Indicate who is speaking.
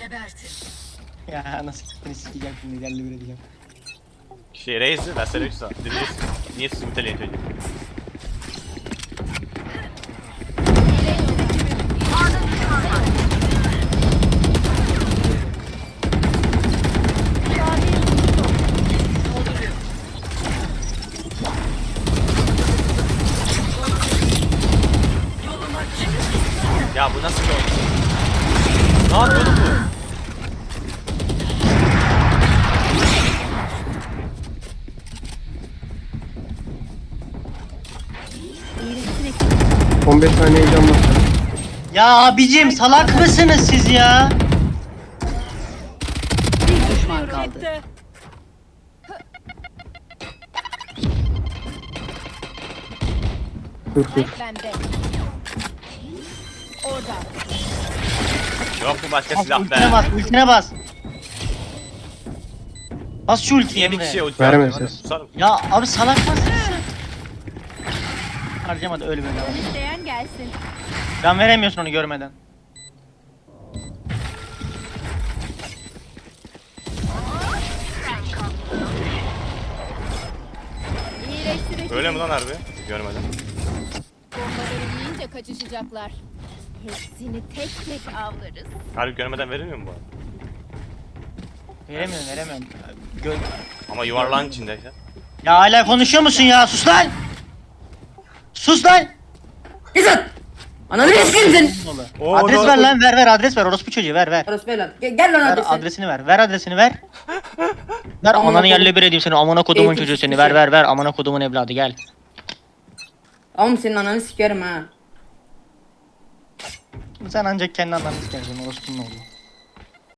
Speaker 1: Ya nasıl seni sikeceğim şimdi yerli bir edeceğim.
Speaker 2: Şey reis ben sana yoksa. Niye siz müteleyin çocuk? Ya bu nasıl bir oyun? Ne yapıyor oğlum bu?
Speaker 3: Cık, 15 saniye heyecan var.
Speaker 1: Ya abicim salak mısınız siz ya?
Speaker 4: Bir düşman kaldı.
Speaker 3: Dur dur.
Speaker 4: Bende. Orada.
Speaker 2: Yok mu başka
Speaker 1: Bas,
Speaker 2: silah
Speaker 1: ultine
Speaker 2: be?
Speaker 1: bas, ultine bas. Bas şu ultiyi
Speaker 2: Niye bir
Speaker 1: Emre.
Speaker 2: kişiye ulti
Speaker 3: Veremez
Speaker 2: atıyor?
Speaker 3: ses.
Speaker 2: Susarım.
Speaker 1: Ya abi salak mısın sen? Harcamadı öyle böyle.
Speaker 4: İsteyen gelsin.
Speaker 1: Can veremiyorsun onu görmeden.
Speaker 4: İyileştirecek.
Speaker 2: Öyle mi lan harbi? Görmedim.
Speaker 4: Bombaları yiyince kaçışacaklar. Hepsini tek tek avlarız.
Speaker 2: Harbi görmeden verilmiyor mu bu arada?
Speaker 1: Veremiyorum veremiyorum.
Speaker 2: Ama yuvarlağın içinde ya.
Speaker 1: Ya hala konuşuyor musun ya? Sus lan! Sus lan!
Speaker 5: İzzet! Ananı sikeyim
Speaker 2: Oo,
Speaker 1: Adres
Speaker 2: doğru.
Speaker 1: ver lan ver adres ver orospu çocuğu ver.
Speaker 5: Orası beyler. Gel lan
Speaker 1: Ver
Speaker 5: adresi.
Speaker 1: adresini ver adresini ver. Ver
Speaker 5: Amına
Speaker 1: ananı
Speaker 5: kodum.
Speaker 1: yerle bir edeyim seni amına kodumun
Speaker 5: Eğitim
Speaker 1: çocuğu seni
Speaker 5: hiçbir şey.
Speaker 1: ver amına kodumun evladı gel.
Speaker 5: Oğlum senin ananı sikerim ha.
Speaker 1: Sen ancak kendi ananı sikersin orospunun oğlu.